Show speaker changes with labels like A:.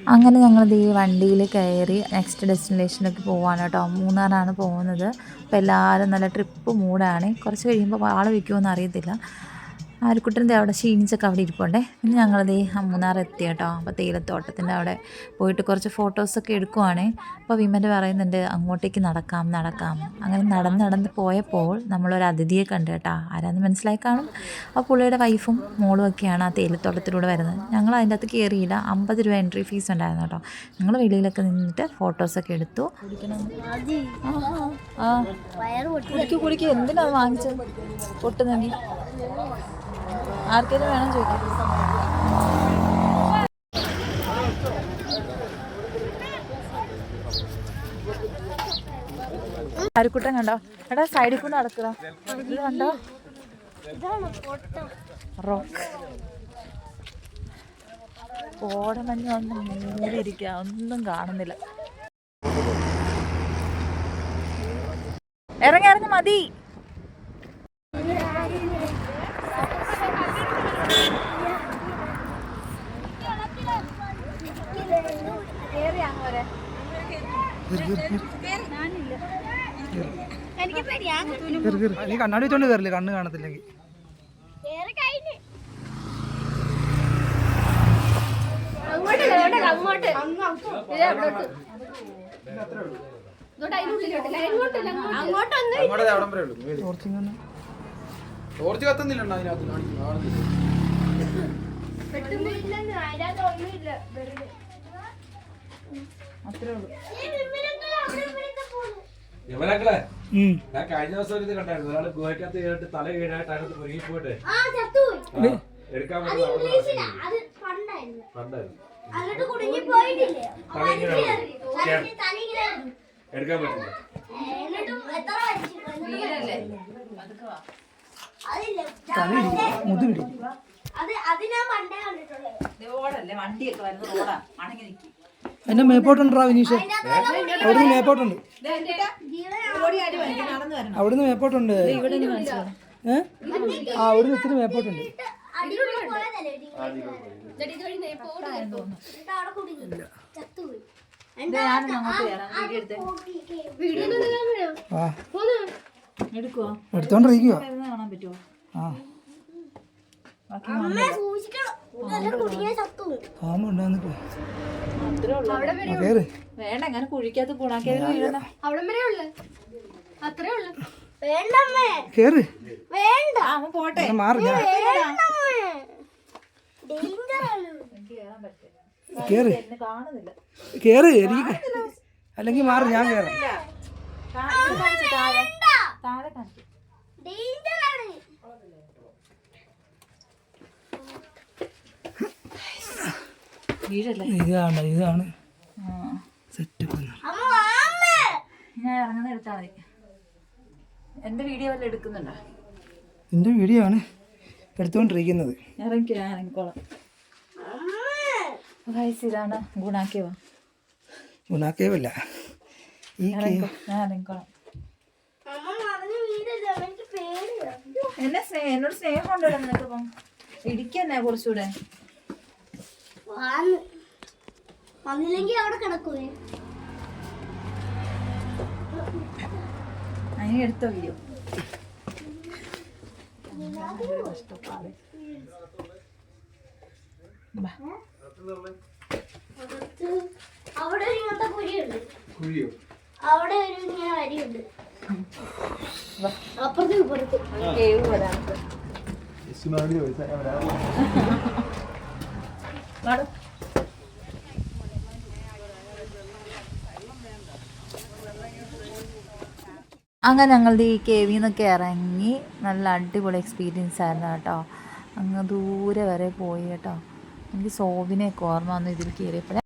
A: അങ്ങനെ ഞങ്ങളിത് ഈ വണ്ടിയിൽ കയറി നെക്സ്റ്റ് ഡെസ്റ്റിനേഷനിലേക്ക് പോവാണ് കേട്ടോ. മൂന്നാറാണ് പോകുന്നത്. അപ്പോൾ എല്ലാവരും നല്ല ട്രിപ്പ് മൂടാണ്. കുറച്ച് കഴിയുമ്പോൾ ആൾ വയ്ക്കുമോ അറിയത്തില്ല. ആരുക്കുട്ടൻ്റെ അവിടെ ക്ഷീണിച്ചൊക്കെ അവിടെ ഇരിപ്പുണ്ടേ. പിന്നെ ഞങ്ങളത് മൂന്നാർ എത്തി കേട്ടോ. അപ്പോൾ തേയിലത്തോട്ടത്തിൻ്റെ അവിടെ പോയിട്ട് കുറച്ച് ഫോട്ടോസൊക്കെ എടുക്കുവാണേ. അപ്പോൾ വിമൻ്റെ പറയുന്നുണ്ട് അങ്ങോട്ടേക്ക് നടക്കാം. അങ്ങനെ നടന്ന് പോയപ്പോൾ നമ്മളൊരു അതിഥിയെ കണ്ടു കേട്ടോ. ആരാന്ന് മനസ്സിലായി കാണും. അപ്പോൾ പുള്ളിയുടെ വൈഫും മോളും ഒക്കെയാണ് ആ തേയിലത്തോട്ടത്തിലൂടെ വരുന്നത്. ഞങ്ങൾ അതിൻ്റെ അകത്ത് കയറിയില്ല. 50 രൂപ എൻട്രി ഫീസ് ഉണ്ടായിരുന്നു കേട്ടോ. ഞങ്ങൾ വെളിയിലൊക്കെ നിന്നിട്ട് ഫോട്ടോസൊക്കെ എടുത്തു. കുടിക്കുക എന്തിനാണ് വാങ്ങിച്ചത്? പൊട്ടുന്നെങ്കിൽ ആർക്കെങ്കിലും വേണം ചോദിക്കാം. ആരുക്കുട്ടൻ കണ്ടോ? എടാ സൈഡിൽ കൊണ്ട് നടക്കുക. ഇത് കണ്ടോ? റോക്ക് കോടമഞ്ഞ് വന്ന് മൂടിയിരിക്കുക. ഒന്നും കാണുന്നില്ല. ഇറങ്ങി മതി.
B: നീ കണ്ണാടി വെച്ചോണ്ട് കയറില്ലേ? കണ്ണ് കാണത്തില്ലെങ്കിൽ ടോർച്ച് കത്തുന്നില്ല.
C: അത്രേ ഉള്ളൂ. യവനക്കളെ ഞാൻ കഴിഞ്ഞ ദിവസം ഇത് കണ്ടായിരുന്നു. ഒരാള് ഗുഹയ്ക്കകത്ത് കേട്ട് തല കീഴായിട്ട് അതിനകത്ത് മുരുകി പോയിട്ട് എടുക്കാൻ എടുക്കാൻ പറ്റില്ല.
B: എന്നെ മേപ്പോട്ടുണ്ടാ വിനീഷ്? അവിടുന്ന് മേപ്പോട്ടുണ്ട്. അവിടുന്ന് മേപ്പോട്ടുണ്ട്. അവിടുന്ന് ഇത്തിരി മേപ്പോട്ടുണ്ട്. എടുത്തോണ്ടിരിക്കുവോ?
A: വേണ്ട അങ്ങനെ കുഴിക്കാത്ത ഗുണാക്കി പോട്ടെ.
B: കേറ് എനിക്ക് അല്ലെങ്കിൽ മാറി ഞാൻ കേറാം. ഇതാണ് സെറ്റപ്പ്.
A: ഞാൻ ഇറങ്ങുന്ന എടുത്താൽ മതി. എന്റെ വീഡിയോ വല്ല എടുക്കുന്നുണ്ടോ?
B: നിന്റെ വീഡിയോ ആണ് എടുത്തുകൊണ്ടിരിക്കുന്നത്.
A: ഇറങ്ങിക്കോളാം. ഇതാണ് ഗുണാക്കേവ.
B: ഗുണാക്കേവല്ല,
A: ഞാൻ ഇറങ്ങിക്കോളാം. എന്നോട് സ്നേഹം ഉണ്ടല്ലോ നിനക്കിപ്പം. ഇടിക്കന്നെ കുറച്ചുകൂടെ.
D: വന്നില്ലെങ്കിൽ അവിടെ കിടക്കുവേ.
A: അതിന് എടുത്ത വീഡിയോ
D: അവിടെ ഒരു ഇങ്ങനത്തെ കുഴിയുണ്ട്. അവിടെ ഒരു ഇങ്ങനെ വരിയുണ്ട്. അപ്പുറത്ത് ഇപ്പുറത്ത്
A: കേവ് വരാനുണ്ട്. അങ്ങനെ ഞങ്ങളുടെ ഈ കേവിൽ നിന്നൊക്കെ ഇറങ്ങി നല്ല അടിപൊളി എക്സ്പീരിയൻസ് ആയിരുന്നു കേട്ടോ. അങ്ങ് ദൂരെ വരെ പോയി കേട്ടോ. എനിക്ക് സോബിനെയൊക്കെ ഓർമ്മ വന്നു ഇതിൽ കയറിയപ്പോഴേ.